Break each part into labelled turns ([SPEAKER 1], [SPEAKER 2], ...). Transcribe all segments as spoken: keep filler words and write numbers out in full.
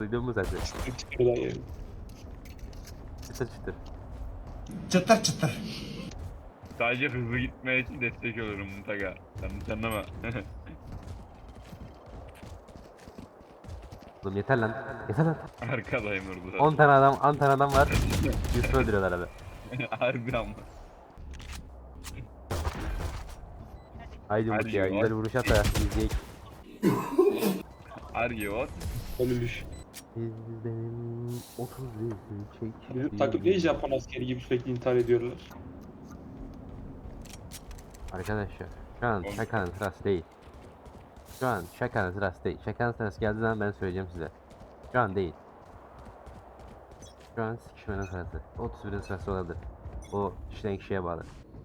[SPEAKER 1] Duydun mu sesi?
[SPEAKER 2] Çıkırdan yani.
[SPEAKER 1] Çıtır çıtır.
[SPEAKER 3] Çıtır çıtır.
[SPEAKER 4] Sadece hızlı gitmeye için destek olurum mutlaka. Yanlış anlama.
[SPEAKER 1] Oğlum yeter lan. Yeter lan.
[SPEAKER 4] Arkadayım orada.
[SPEAKER 1] on tane adam, on tane adam var. Yusuf öldürüyorlar abi.
[SPEAKER 4] Harbi ama.
[SPEAKER 1] Haydi Umut
[SPEAKER 4] Hadi
[SPEAKER 1] ya.
[SPEAKER 4] ya.
[SPEAKER 1] Güzel vuruş at da izleyek.
[SPEAKER 4] Argivot.
[SPEAKER 2] Ölülüş.
[SPEAKER 1] Biz benim otuz yüzü çek.
[SPEAKER 2] Bizim takım niye Japon askeri gibi sürekli intihar ediyorlar?
[SPEAKER 1] Arkadaşlar şu an şakanın sırası değil. Şu an şakanın sırası değil. Şakanın sırası geldiği zaman ben söyleyeceğim size. Şu an değil. Şu an sikişmenin sırası. otuz birin sırası olabilir. O kişiden kişiye bağlı.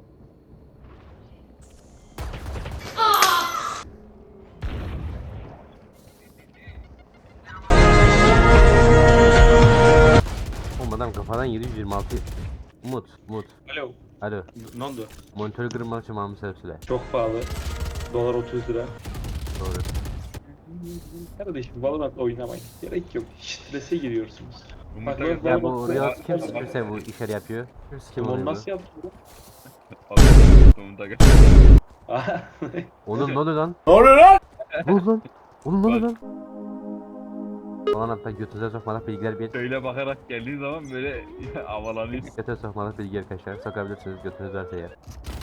[SPEAKER 1] Oğlum adam kafadan yedi yüz yirmi altı. Umut, Umut.
[SPEAKER 2] Alo.
[SPEAKER 1] Alo.
[SPEAKER 2] Ne oldu?
[SPEAKER 1] Monitörü kırılmak için Mahmut Sevsile.
[SPEAKER 2] Çok pahalı. Dolar otuz lira.
[SPEAKER 1] Doğru.
[SPEAKER 2] Kardeşim Valorant oynamayın. Gerek yok. Strese giriyorsunuz. Bak,
[SPEAKER 4] Umut'a
[SPEAKER 2] bak,
[SPEAKER 1] Ya
[SPEAKER 2] bak,
[SPEAKER 1] bu
[SPEAKER 2] bak.
[SPEAKER 1] Riot kim kimse bu işleri yapıyor? Kim
[SPEAKER 2] Onu
[SPEAKER 1] oluyor bu?
[SPEAKER 2] nasıl yaptın?
[SPEAKER 4] Umut'a
[SPEAKER 1] Oğlum ne oluyor lan?
[SPEAKER 3] Ne oluyor lan?
[SPEAKER 1] Ne oldu lan? Oğlum ne oluyor lan? Falan hatta götünüze sokmalık bilgiler bir
[SPEAKER 4] Şöyle bakarak geldiği zaman böyle havalanıyor.
[SPEAKER 1] götüne sokmalık bilgi arkadaşlar sokabilirsiniz götünüz varsa eğer.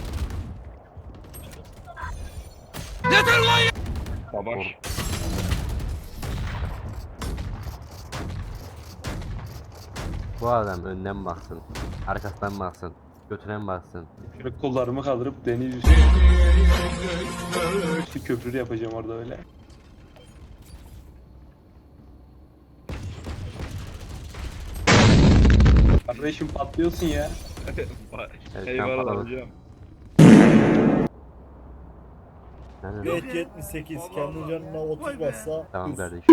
[SPEAKER 4] Savaş.
[SPEAKER 1] Bu adam önden baksın, arkasından baksın, götüne mi baksın?
[SPEAKER 2] Şöyle kollarımı kaldırıp deniz üstü. Üstü köprü yapacağım orada öyle. Kardeşim patlıyorsun ya.
[SPEAKER 1] Evet, sen
[SPEAKER 4] Eyvallah
[SPEAKER 1] patladın.
[SPEAKER 4] hocam.
[SPEAKER 1] Nerede?
[SPEAKER 5] Geç yetmiş sekiz kendi canına otuz bassa.
[SPEAKER 1] Tamam
[SPEAKER 5] üf.
[SPEAKER 1] kardeşim.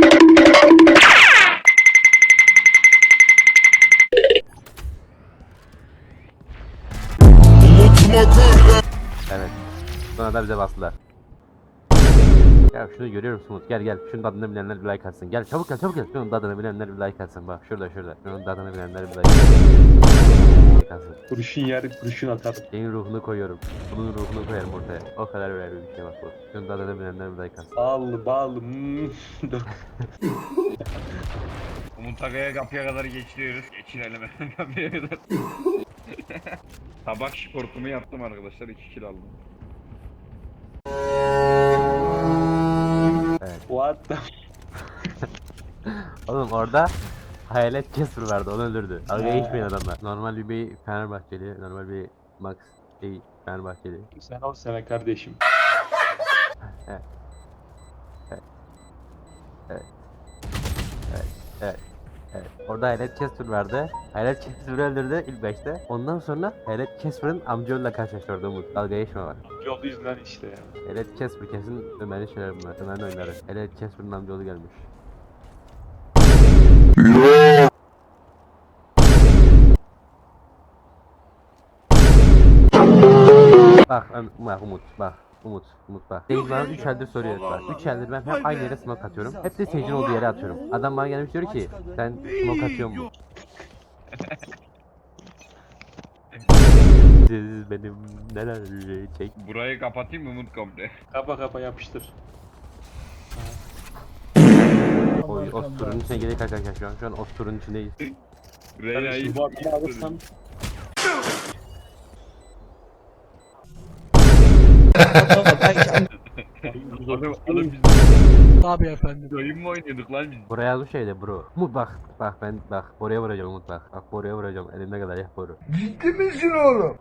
[SPEAKER 1] Evet. Sonra da bize bastılar. Ya şunu görüyor musun Umut? Gel gel. Şunun tadını bilenler bir like atsın. Gel çabuk gel çabuk gel. Şunun tadını bilenler bir like atsın. Bak şurada şurada. Şunun tadını bilenler bir like atsın. Like atsın.
[SPEAKER 2] Kurşun yer kurşun atarım.
[SPEAKER 1] Senin ruhunu koyuyorum. Bunun ruhunu koyarım ortaya. O kadar önemli bir şey bak bu. Şunun tadını bilenler bir like atsın.
[SPEAKER 2] Bağlı bağlı. Hmm. Dur.
[SPEAKER 4] Umut Aga'ya kapıya kadar geçiriyoruz. Geçirelim kapıya kadar. Tabak şportumu yaptım arkadaşlar. iki kill aldım.
[SPEAKER 1] Evet.
[SPEAKER 2] What the
[SPEAKER 1] Oğlum orada hayalet Casper vardı. Onu öldürdü. Dalga geçmeyin adamlar. Normal bir bey Fenerbahçeli. Normal bir Max şey Fenerbahçeli.
[SPEAKER 2] Sen ol sana kardeşim.
[SPEAKER 1] Evet. Evet. Evet. Evet. Evet. Evet. Orada Hayalet Casper vardı. Hayalet Casper'ı öldürdü ilk başta. Ondan sonra Hayalet Casper'ın amcaoğluyla karşılaştı orada Umut. Dalga geçme var.
[SPEAKER 2] Yol yüzünden işte ya.
[SPEAKER 1] Hayalet Casper kesin Ömer'in şeyler bunlar. Ömer'in oyunları. Hayalet Casper'ın amcaoğlu gelmiş. Bak, Öm- bak Umut, bak Umut, Umut bak. Sage bana üç eldir soruyor bak. üç eldir ben hep aynı yere smoke atıyorum. Hep de Sage'in olduğu yere atıyorum. Adam bana gelmiş diyor ki sen smoke atıyor musun? Siz benim neler çek.
[SPEAKER 4] Burayı kapatayım mı Umut komple?
[SPEAKER 2] Kapa kapa yapıştır.
[SPEAKER 1] O osturun içine gerek arkadaşlar şu an. Şu an osturun içindeyiz.
[SPEAKER 4] Reyna'yı
[SPEAKER 2] Kardeşim bu adamı alırsan
[SPEAKER 4] Oğlum oğlum biz
[SPEAKER 6] Tabii efendim.
[SPEAKER 4] oyun mu oynuyorduk lan biz?
[SPEAKER 1] Buraya yazmış şeyde bro. Umut bak, bak ben bak oraya vuracağım Umut bak. Bak oraya vuracağım elimde kadar yap boru.
[SPEAKER 3] Ciddi misin oğlum?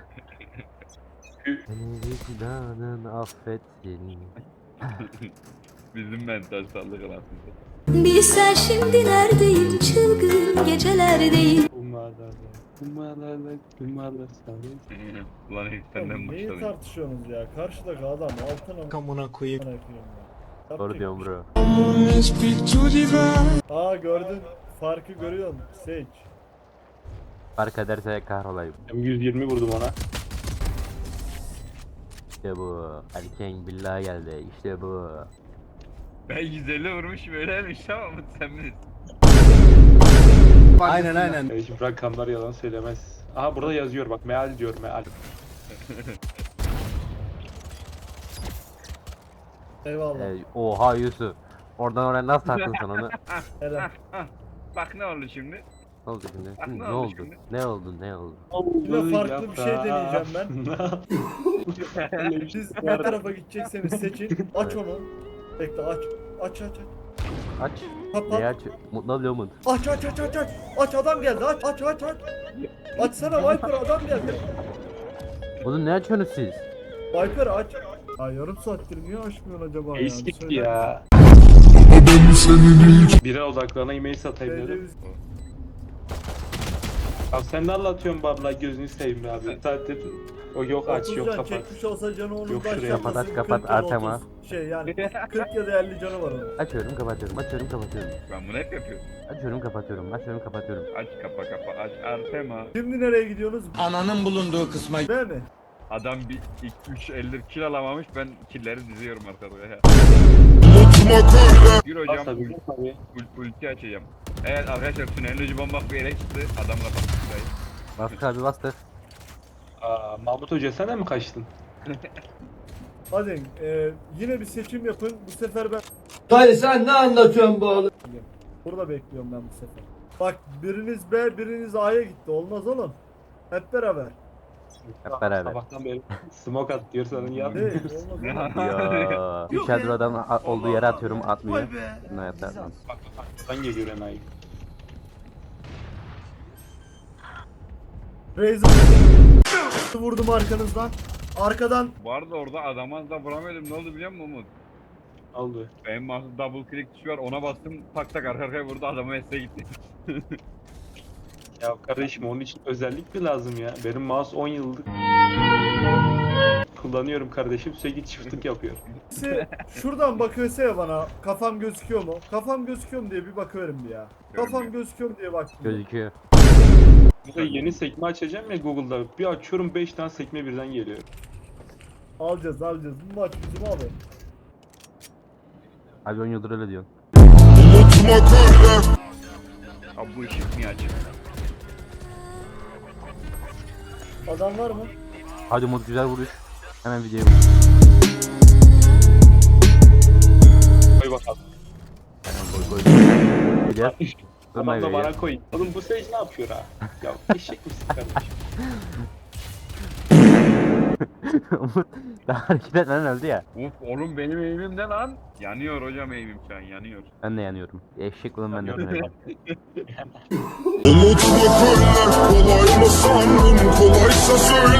[SPEAKER 1] Beni vicdanın affetsin.
[SPEAKER 4] Bizim mental sağlık aslında.
[SPEAKER 7] Bilsen şimdi neredeyim, çılgın gecelerdeyim.
[SPEAKER 2] Umarlar Umarlar Umarlar sana.
[SPEAKER 4] Ulan hiç senden
[SPEAKER 5] Oğlum, neyi
[SPEAKER 4] başladım.
[SPEAKER 5] tartışıyorsunuz ya? Karşıdaki adam altına
[SPEAKER 6] Kamuna koyayım.
[SPEAKER 5] ya.
[SPEAKER 1] Doğru
[SPEAKER 5] Taktik.
[SPEAKER 1] diyorum bro.
[SPEAKER 5] Aa gördün. Farkı görüyorsun. Sage.
[SPEAKER 1] Fark ederse kahrolayım.
[SPEAKER 2] yüz yirmi vurdum ona.
[SPEAKER 1] İşte bu. Erken billahi geldi. İşte bu.
[SPEAKER 4] Ben yüz elli vurmuşum öyleymiş ama Umut sen bilirsin.
[SPEAKER 3] Aynen aynen.
[SPEAKER 2] E, şimdi rakamlar yalan söylemez. Aha burada yazıyor bak meal diyor meal.
[SPEAKER 5] Eyvallah.
[SPEAKER 1] Ee, oha Yusuf. Oradan oraya nasıl taktın sen onu?
[SPEAKER 5] Helal.
[SPEAKER 4] Bak ne oldu şimdi?
[SPEAKER 1] Ne oldu şimdi?
[SPEAKER 4] Bak
[SPEAKER 1] Hı,
[SPEAKER 4] ne
[SPEAKER 1] ne
[SPEAKER 4] oldu
[SPEAKER 1] oldu?
[SPEAKER 4] şimdi?
[SPEAKER 1] Ne oldu? Ne oldu?
[SPEAKER 5] Yine farklı bir şey deneyeceğim ben.
[SPEAKER 2] ben.
[SPEAKER 5] Siz ne tarafa gidecekseniz seçin. Aç onu. Bekle aç. Aç aç aç.
[SPEAKER 1] Aç.
[SPEAKER 5] Kapat.
[SPEAKER 1] Neyi aç? Mutlu oluyor mu?
[SPEAKER 5] Aç aç aç aç aç. Aç adam geldi aç aç aç aç. Açsana Viper adam geldi.
[SPEAKER 1] Bunu ne açıyorsunuz siz?
[SPEAKER 5] Viper aç. Ha yarım saattir niye açmıyorsun acaba
[SPEAKER 2] Ace
[SPEAKER 5] ya?
[SPEAKER 2] gitti
[SPEAKER 5] Söyler
[SPEAKER 2] ya. Bire odaklarına e-mail satayım
[SPEAKER 5] misin?
[SPEAKER 2] dedim. Abi sen ne anlatıyorsun babla gözünü seveyim be abi. Saattir o yok aç
[SPEAKER 5] otuz
[SPEAKER 2] yok
[SPEAKER 5] can
[SPEAKER 2] kapat.
[SPEAKER 5] çekmiş olsa canı onun
[SPEAKER 2] Yok şuraya.
[SPEAKER 5] başlatmasın.
[SPEAKER 1] Kapat, aç, kapat,
[SPEAKER 5] kırk ya da
[SPEAKER 1] Artem'a.
[SPEAKER 5] otuz. Şey yani kırk ya da elli canı var onun.
[SPEAKER 1] Açıyorum kapatıyorum. Açıyorum kapatıyorum.
[SPEAKER 4] Ben bunu hep yapıyorum.
[SPEAKER 1] Açıyorum kapatıyorum. Açıyorum kapatıyorum.
[SPEAKER 4] Aç kapa kapa aç Artema.
[SPEAKER 5] Şimdi nereye gidiyorsunuz?
[SPEAKER 3] Ananın bulunduğu kısma
[SPEAKER 5] Değil mi?
[SPEAKER 4] Adam bir üç eldir kill alamamış ben killleri diziyorum arkada ya. Bir hocam
[SPEAKER 2] Bas tabii,
[SPEAKER 4] ul-
[SPEAKER 2] tabii.
[SPEAKER 4] ul- ulti açacağım. Evet arkadaşlar tünelin ucu bomba bir yere çıktı. Adam kapattı şurayı.
[SPEAKER 1] Bastı abi bastı.
[SPEAKER 2] Aa, Mahmut Hoca sen de mi kaçtın?
[SPEAKER 5] Hadi e, yine bir seçim yapın. Bu sefer ben
[SPEAKER 3] Dayı sen ne anlatıyorsun bu oğlum?
[SPEAKER 5] burada bekliyorum ben bu sefer. Bak biriniz B biriniz A'ya gitti. Olmaz oğlum. Hep beraber.
[SPEAKER 1] Hep beraber.
[SPEAKER 2] Sabahtan beri smoke at diyor sana ya.
[SPEAKER 5] Değil. Olmaz oğlum.
[SPEAKER 1] Ya. Üç eldir adam a- olduğu yere atıyorum atmıyor. Ne hayatta atmaz.
[SPEAKER 2] Bak bak arkadan geliyor enayi.
[SPEAKER 5] Razer vurdum arkanızdan. Arkadan
[SPEAKER 4] Bu arada orada adama da vuramıyordum. Ne oldu biliyor musun Umut?
[SPEAKER 2] Ne oldu?
[SPEAKER 4] Benim mouse'da double click tuşu var ona bastım tak tak arka arkaya vurdu adama mesleğe gitti.
[SPEAKER 2] Ya kardeşim onun için özellik mi lazım ya? Benim mouse on yıllık kullanıyorum kardeşim sürekli çiftlik yapıyor.
[SPEAKER 5] birisi şuradan bakıyorsa ya bana kafam gözüküyor mu? Kafam gözüküyor mu diye bir bakıyorum bir ya. Kafam gözüküyor mu diye baktım.
[SPEAKER 1] Gözüküyor.
[SPEAKER 2] Burada yeni sekme açacağım ya Google'da. Bir açıyorum beş tane sekme birden geliyor.
[SPEAKER 5] Alacağız alacağız. Bu maç bizim abi.
[SPEAKER 1] Abi on yıldır öyle diyorsun.
[SPEAKER 4] Abi bu ışık niye açık?
[SPEAKER 5] Adam var mı?
[SPEAKER 1] Hadi Umut güzel vuruş. Hemen videoya
[SPEAKER 2] Koy bakalım.
[SPEAKER 1] koy koy. Gidiyor.
[SPEAKER 2] Adam
[SPEAKER 1] Durma
[SPEAKER 2] da bana
[SPEAKER 1] geliyor.
[SPEAKER 2] koy. Oğlum bu Sage ne yapıyor ha? Ya eşek misin kardeşim?
[SPEAKER 1] Umut daha hareket etmeden öldü ya.
[SPEAKER 4] Uf oğlum benim eğimim ne lan? Yanıyor hocam eğimim şu an yanıyor.
[SPEAKER 1] Ben de yanıyorum. Eşek ulan ben de yanıyorum.
[SPEAKER 6] Umut bakırlar kolay mı sandın kolaysa söyle